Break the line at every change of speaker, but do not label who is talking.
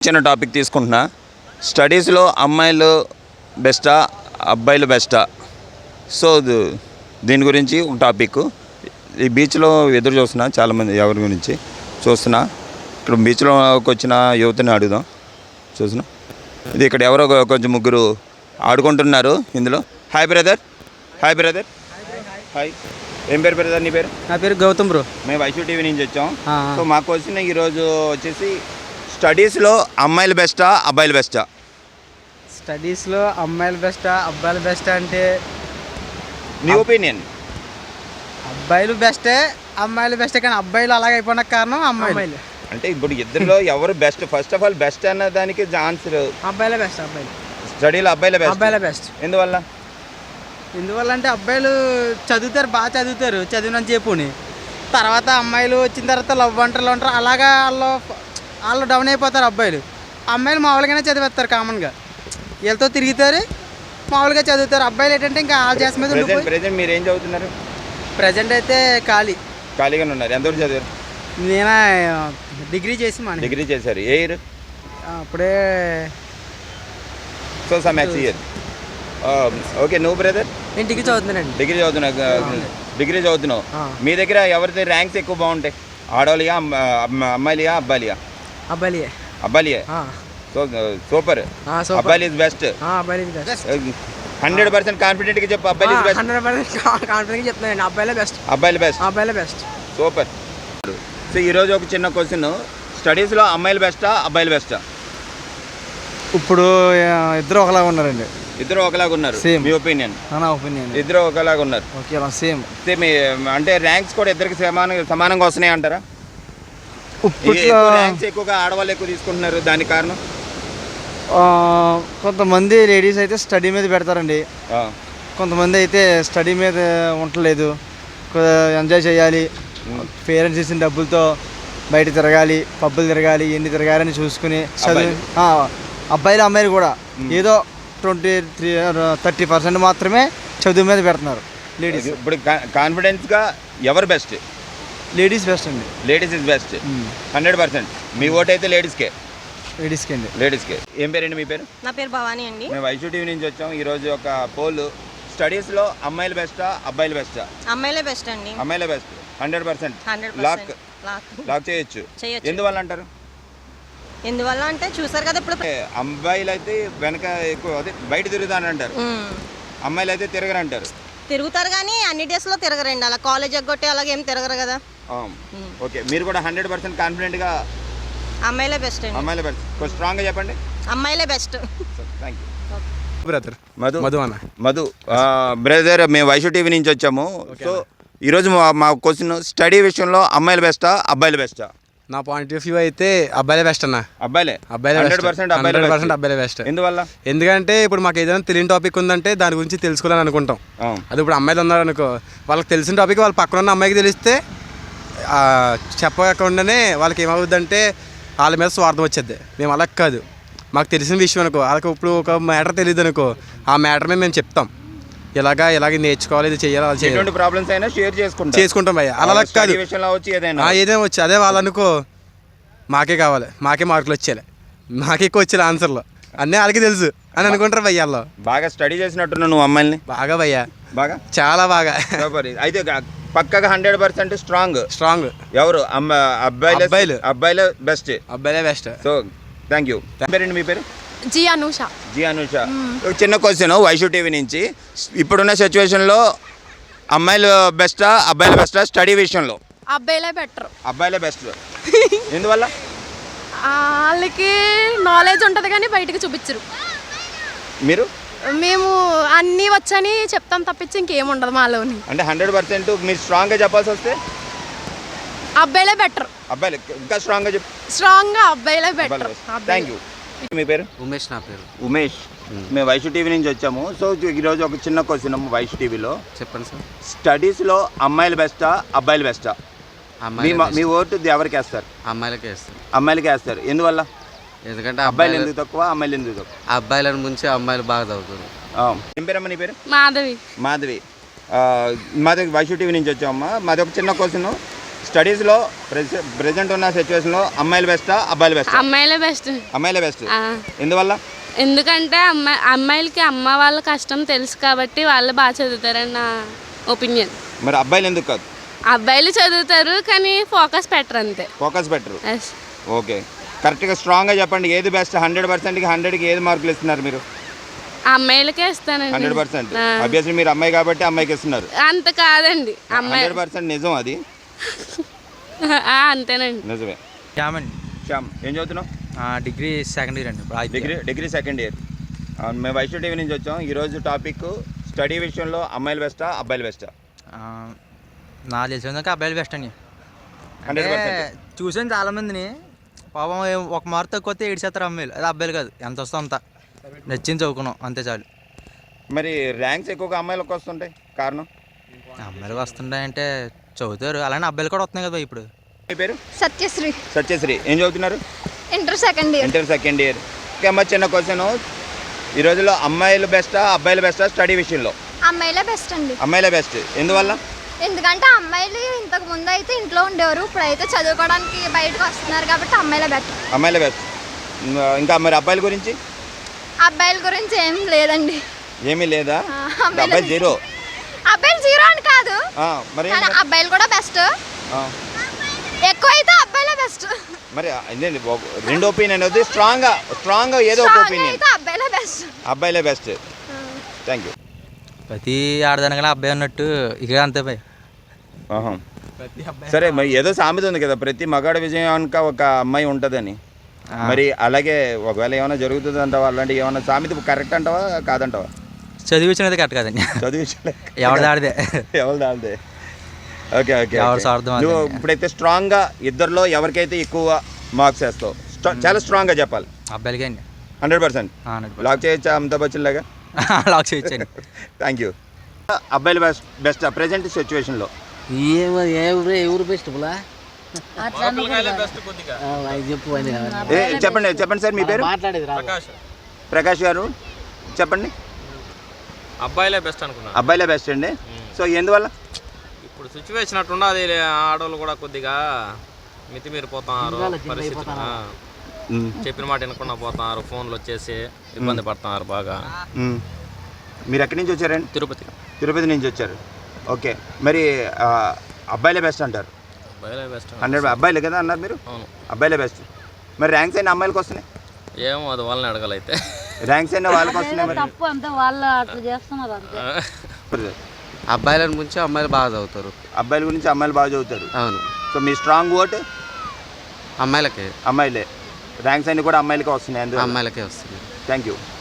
చిన్న టాపిక్ తీసుకుంటున్నా. స్టడీస్లో అమ్మాయిలు బెస్టా అబ్బాయిలు బెస్టా? సో దీని గురించి ఒక టాపిక్. ఈ బీచ్లో ఎదురు చూస్తున్నా, చాలామంది ఎవరి గురించి చూస్తున్నా. ఇక్కడ బీచ్లోకి వచ్చిన యువతని అడుగుదాం. చూస్తున్నా, ఇది ఇక్కడ ఎవరో కొంచెం ముగ్గురు ఆడుకుంటున్నారు ఇందులో. Hi brother. Hi brother. Hi. ఏం పేరు బ్రదర్ నీ పేరు?
నా పేరు గౌతమ్ బ్రో.
మేము వైషూ టీవీ నుంచి వచ్చాం. సో మాకు వచ్చిన ఈరోజు వచ్చేసి స్టడీస్లో అమ్మాయిలు బెస్టా అబ్బాయిలు బెస్టా?
స్టడీస్లో అమ్మాయిలు బెస్టా అబ్బాయిలు బెస్టా అంటే
నీ ఒపీనియన్?
అబ్బాయిలు బెస్టే అమ్మాయిలు బెస్టే, కానీ అబ్బాయిలు అలాగ అయిపోయిన కారణం అమ్మాయిలు.
అంటే ఇప్పుడు ఇద్దరిలో ఎవరు best? First of all best అన్న దానికి ఆన్సర్
అబ్బాయిలే బెస్ట్. అబ్బాయిలు
స్టడీలో అబ్బాయిలే
బెస్ట్.
ఎందువల్ల
అంటే అబ్బాయిలు చదువుతారు, బాగా చదువుతారు, చదివిన చెప్పుని. తర్వాత అమ్మాయిలు వచ్చిన తర్వాత లవ్ అంటారు అలాగా వాళ్ళు డౌన్ అయిపోతారు. అమ్మాయిలు మామూలుగానే చదివేస్తారు, కామన్గా వీళ్ళతో తిరుగుతారు, మామూలుగా చదువుతారు. అబ్బాయిలు ఏంటంటే ఇంకా వాళ్ళ చేస మీద.
ప్రెజెంట్ మీరు ఏం చదువుతున్నారు?
ప్రజెంట్ అయితే
ఖాళీగానే ఉన్నారు. ఎంతవరకు చదివారు?
నేను డిగ్రీ
డిగ్రీ చేశారు. ఏ ఇయర్?
అప్పుడే
so some next year. Okay. నువ్వు బ్రదర్?
నేను డిగ్రీ చదువుతున్నాను.
డిగ్రీ చదువుతున్నావు. మీ దగ్గర ఎవరిది ర్యాంక్స్ ఎక్కువ బాగుంటాయి? ఆడవాళ్ళియా అమ్మాయిలియా అబ్బాయిలియా? అబ్బాయిలియే. So super. అబ్బాయిలు ఇస్ బెస్ట్. 100% కాన్ఫిడెంట్గా చెప్పు. అబ్బాయిలు ఇస్ బెస్ట్.
100% కాన్ఫిడెంట్గా చెప్తున్నాను. అబ్బాయిలే బెస్ట్.
సూపర్. సో ఈరోజు ఒక చిన్న క్వశ్చన్. స్టడీస్లో అమ్మాయిలు బెస్టా అబ్బాయిలు బెస్టా?
ఇప్పుడు ఇద్దరు ఒకలాగా ఉన్నారండి.
ఇద్దరు ఒకలాగా ఉన్నారు. మీ ఒపీనియన్?
నా ఒపీనియన్
ఇద్దరు ఒకలాగా ఉన్నారు.
సేమ్.
అంటే ర్యాంక్స్ కూడా ఇద్దరికి సమానంగా వస్తున్నాయి అంటారా? ర్యాంక్స్ ఎక్కువగా ఆడవాళ్ళు ఎక్కువ తీసుకుంటున్నారు. దానికి కారణం
కొంతమంది లేడీస్ అయితే స్టడీ మీద పెడతారండి, కొంతమంది అయితే స్టడీ మీద ఉండలేదు. ఎంజాయ్ చేయాలి, పేరెంట్స్ ఇచ్చిన డబ్బులతో బయట తిరగాలి, పబ్బులు తిరగాలి, ఎన్ని తిరగాలని చూసుకుని చదువు. అబ్బాయిలు అమ్మాయిలు కూడా ఏదో 30% మాత్రమే చదువు మీద పెడుతున్నారు. లేడీస్
ఇప్పుడు కాన్ఫిడెన్స్గా ఎవరు బెస్ట్?
లేడీస్ బెస్ట్ అండి.
Ladies is best 100%. మీ ఓటు అయితే లేడీస్కే
అండి.
లేడీస్కే. ఏం పేరండి మీ పేరు?
నా పేరు భవానీ అండి.
మేము వైషూ టీవీ నుంచి వచ్చాం. ఈరోజు ఒక పోల్. స్టడీస్లో అమ్మాయిలు బెస్టా అబ్బాయిలు బెస్టా?
అమ్మాయిలే బెస్ట్ అండి.
అమ్మాయిలే బెస్ట్ 100%. లాక్ చేయొచ్చు. ఎందువల్ల అంటారు?
ఎందువల్ల అంటే చూసారు కదా, ఇప్పుడు
అబ్బాయిలు అయితే వెనక ఎక్కువ అదే బయట తిరుగుతాను అంటారు, అమ్మాయిలు అయితే తిరగరు అంటారు.
తిరుగుతారు కానీ అన్ని డేస్లో తిరగరండి. అలా కాలేజ్ ఎగ్గొట్టి అలాగే ఏం తిరగరు కదా.
ఓకే. మీరు కూడా 100% కాన్ఫిడెంట్గా
అమ్మాయిలే బెస్ట్ అండి.
అమ్మాయిలే బెస్ట్. కొంచెం స్ట్రాంగ్గా చెప్పండి.
అమ్మాయిలే best.
Thank you
brother.
Madhu brother, మేము వైషూ టీవీ నుంచి వచ్చాము. సో ఈరోజు మా క్వశ్చన్, స్టడీ విషయంలో అమ్మాయిలు బెస్టా అబ్బాయిలు బెస్టా?
నా పాయింట్ ఆఫ్ వ్యూ అయితే అబ్బాయిలే బెస్ట్ అన్న.
అబ్బాయిలే
100% బెస్ట్.
ఎందువల్ల?
ఎందుకంటే ఇప్పుడు మాకు ఏదైనా తెలియని టాపిక్ ఉందంటే దాని గురించి తెలుసుకోవాలని అనుకుంటాం. అది ఇప్పుడు అమ్మాయిలు ఉన్నారు అనుకో, వాళ్ళకి తెలిసిన టాపిక్ వాళ్ళ పక్కన ఉన్న అమ్మాయికి తెలిస్తే చెప్పకుండానే వాళ్ళకి ఏమవుద్దంటే వాళ్ళ మీద స్వార్థం వచ్చేది. మేము అలా కాదు, మాకు తెలిసిన విషయం అనుకో, వాళ్ళకి ఇప్పుడు ఒక మ్యాటర్ తెలియదు అనుకో, ఆ మ్యాటర్ మీద మేము చెప్తాం. ఇలాగ నేర్చుకోవాలి, ఇది చేయాలి, అది చేయాలి.
ప్రాబ్లమ్స్ అయినా షేర్
చేసుకుంటాం భయ్య. అలా కాదు, ఏదైనా వచ్చి అదే వాళ్ళనుకో మాకే కావాలి, మాకే మార్కులు వచ్చేయాలి, మాకే ఎక్కువ వచ్చేయాలి ఆన్సర్లో అన్నీ వాళ్ళకి తెలుసు అని అనుకుంటారు భయ్య. వాళ్ళు బాగా
స్టడీ చేసినట్టున్నా నువ్వు అమ్మాయిని?
బాగా భయ్య,
బాగా,
చాలా బాగా.
అయితే పక్కగా 100% స్ట్రాంగ్ ఎవరు? అబ్బాయిలే బెస్ట్. So thank you. పేరండి మీ పేరు?
జీ అనూష.
చిన్న క్వశ్చన్ వైషూ టీవీ నుంచి. ఇప్పుడున్న సిచ్యువేషన్లో అమ్మాయిలు బెస్టా అబ్బాయిలు బెస్టా? స్టడీ విషయంలో అబ్బాయిలే బెస్ట్. ఎందువల్ల?
వాళ్ళకి నాలెడ్జ్ ఉంటుంది కానీ బయటకు చూపించరు. మేము అన్నీ వచ్చని చెప్తాం తప్పించి ఇంకేముండదు మాలోని.
అంటే 100% మీరు స్ట్రాంగ్గా చెప్పాల్సి వస్తే
అబ్బాయిలే బెటర్.
అబ్బాయిలు ఇంకా స్ట్రాంగ్గా
అబ్బాయిలే బెటర్.
Thank you. మీ పేరు?
ఉమేష్. నా పేరు
ఉమేష్. మేము వైషూ టీవీ నుంచి వచ్చాము. సో ఈరోజు ఒక చిన్న క్వశ్చన్ వైషూ టీవీలో.
చెప్పండి సార్.
స్టడీస్లో అమ్మాయిలు బెస్టా అబ్బాయిలు బెస్టా? మీ ఓటు ఎవరికి వేస్తారు? అమ్మాయిలకి వేస్తారు. ఎందువల్ల?
ఎందుకంటే
అబ్బాయిలు ఎందుకు తక్కువ, అమ్మాయిలు ఎందుకు తక్కువ?
అబ్బాయిలను ముంచి అమ్మాయిలు బాగా చదువుతారు.
ఏం పేరమ్మా నీ పేరు?
మాధవి.
మాది వైషూ టీవీ నుంచి వచ్చామమ్మా. మాది ఒక చిన్న క్వశ్చన్. స్టడీస్లో ప్రెసెంట్ ఉన్న సిచ్యువేషన్లో అమ్మాయిలు బెస్టా అబ్బాయిలు బెస్టా?
అమ్మాయిలే బెస్ట్.
అమ్మాయిలే బెస్ట్. ఎందువల్ల?
ఎందుకంటే అమ్మాయిలకి అమ్మ వాళ్ళ కష్టం తెలుసు కాబట్టి వాళ్ళు బాగా చదువుతారని నా ఒపీనియన్.
మరి అబ్బాయిలు ఎందుకు కాదు?
అబ్బాయిలు చదువుతారు కానీ ఫోకస్ పెట్టరు అంతే.
ఫోకస్ పెట్టరు.
ఎస్.
ఓకే, కరెక్ట్గా స్ట్రాంగ్గా చెప్పండి, ఏది బెస్ట్? 100%కి 100కి ఏది మార్కులు ఇస్తున్నారు మీరు?
అమ్మాయిలకే ఇస్తానండి.
100%. అభ్యర్థి మీరు అమ్మాయి కాబట్టి అమ్మాయికి ఇస్తున్నారు.
అంత కాదండి, అమ్మాయి
100% నిజం అది.
అంతేనండి.
నిజమే.
శ్యామండి.
శ్యామ్, ఏం చదువుతున్నావు?
డిగ్రీ సెకండ్ ఇయర్ అండి.
Degree second year. మేము వైష్ణవ టీవీ నుంచి వచ్చాం. ఈరోజు టాపిక్ స్టడీ విషయంలో అమ్మాయిలు బెస్టా అబ్బాయిలు బెస్టా?
నాకు తెలిసినందుకు అబ్బాయిలు బెస్ట్ అండి. అంటే
100%.
చూసాను చాలామందిని, పాపం ఒక మార్క్ తక్కువ వస్తే ఏడ్చేస్తారు అమ్మాయిలు. అది అబ్బాయిలు కాదు, ఎంత వస్తుందో అంత నచ్చింది చదువుకున్నాం అంతే చాలు.
మరి ర్యాంక్స్ ఎక్కువగా అమ్మాయిలకు వస్తుంటాయి, కారణం?
అమ్మాయిలు వస్తుంటాయంటే చదువుతారు, అలానే అబ్బాయిలు కూడా వస్తున్నాయి కదా ఇప్పుడు.
మీ పేరు?
సత్యశ్రీ.
సత్యశ్రీ, ఏం చదువుతున్నారు?
Inter second year.
Inter second year. Okay అమ్మ, చిన్న క్వశ్చన్. ఈ రోజుల్లో అమ్మాయిలు బెస్టా అబ్బాయిలు బెస్టా స్టడీ విషయంలో?
అమ్మాయిలే బెస్ట్ అండి.
అమ్మాయిలే బెస్ట్. ఎందువల్ల?
ఎందుకంటే అమ్మాయిలు ఇంతకు ముందు అయితే ఇంట్లో ఉండేవారు, ఇప్పుడైతే చదువుకోవడానికి బయటకు వస్తున్నారు కాబట్టి అమ్మాయిలే బెటర్.
అమ్మాయిలే బెస్ట్. ఇంకా మరి అబ్బాయిల గురించి?
అబ్బాయిల గురించి ఏం లేదండి.
ఏమీ లేదా?
అమ్మాయిలే
అబ్బాయి జీరో.
అబ్బాయిలు జీరో అని కాదు,
మరి
కానీ అబ్బాయిలు కూడా బెస్ట్. ఎక్కువ అయితే అబ్బాయిలే బెస్ట్.
మరి ఇదేంటి రెండు ఒపీనియన్ అవుతుంది. స్ట్రాంగ్గా ఏదో ఒక ఒపీనియన్.
అయితే అబ్బాయిలే బెస్ట్.
అబ్బాయిలే బెస్ట్. Thank you.
ప్రతి ఆడదానికన్నా అబ్బాయి అన్నట్టు ఇక అంతే భయ్.
సరే, మరి ఏదో సామెత ఉంది కదా, ప్రతి మగాడి విజయానికి ఒక అమ్మాయి ఉంటుందని. మరి అలాగే ఒకవేళ ఏమైనా జరుగుతుంది అంటావా? అలాంటి ఏమైనా సామెత కరెక్ట్ అంటావా కాదంటావా?
చదివించినది కరెక్ట్ కదండి.
చదివించలే,
ఎవరిది ఆడిదే.
ఎవరిది ఆడిదే. Okay okay.
ఎవరి స్వార్థం
నువ్వు
అదే.
ఇప్పుడైతే స్ట్రాంగ్గా ఇద్దరిలో ఎవరికైతే ఎక్కువ మార్క్స్ వేస్తావు చాలా స్ట్రాంగ్గా చెప్పాలి.
అబ్బాయిలకే అండి.
100%.
100%.
లాక్ చేయొచ్చా అమితాబ్ బచ్చన్ లాగా?
లాక్ చేయొచ్చండి.
Thank you. అబ్బాయిలు బెస్ట్ ప్రెజెంట్ సిచ్యువేషన్లో? చెప్పండి సార్, మీ పేరు? ప్రకాష్ గారు, చెప్పండి.
అబ్బాయిలే బెస్ట్ అనుకున్నా.
అబ్బాయిలే బెస్ట్ అండి. సో ఎందువల్ల?
ఇప్పుడు సిచ్యువేషన్ అట్టున్నది, ఆడవాళ్ళు కూడా కొద్దిగా మితిమీరిపోతున్నారు పరిస్థితి. చెప్పిన మాట వినకుండా పోతున్నారు, ఫోన్లు వచ్చేసి ఇబ్బంది పడుతున్నారు బాగా.
మీరు ఎక్కడి నుంచి వచ్చారండి? తిరుపతి నుంచి వచ్చారు. ఓకే, మరి అబ్బాయిలే బెస్ట్ అంటారు?
అబ్బాయిలే బెస్ట్.
100 అబ్బాయిలే కదా అన్నారు మీరు?
అవును,
అబ్బాయిలే బెస్ట్. మరి ర్యాంక్స్ అయినా అమ్మాయిలకు వస్తున్నాయి?
ఏమో అది వాళ్ళని అడగాలైతే.
ర్యాంక్స్ అయినా వాళ్ళకి వస్తున్నాయి. మరి
అబ్బాయిల గురించి అమ్మాయిలు బాగా చదువుతారు.
అబ్బాయిల గురించి అమ్మాయిలు బాగా చదువుతారు.
అవును.
సో మీ స్ట్రాంగ్ ఓట్
అమ్మాయిలకే.
అమ్మాయిలే. ర్యాంక్స్ అన్ని కూడా అమ్మాయిలకే వస్తున్నాయి.
అమ్మాయిలకే వస్తుంది.
Thank you.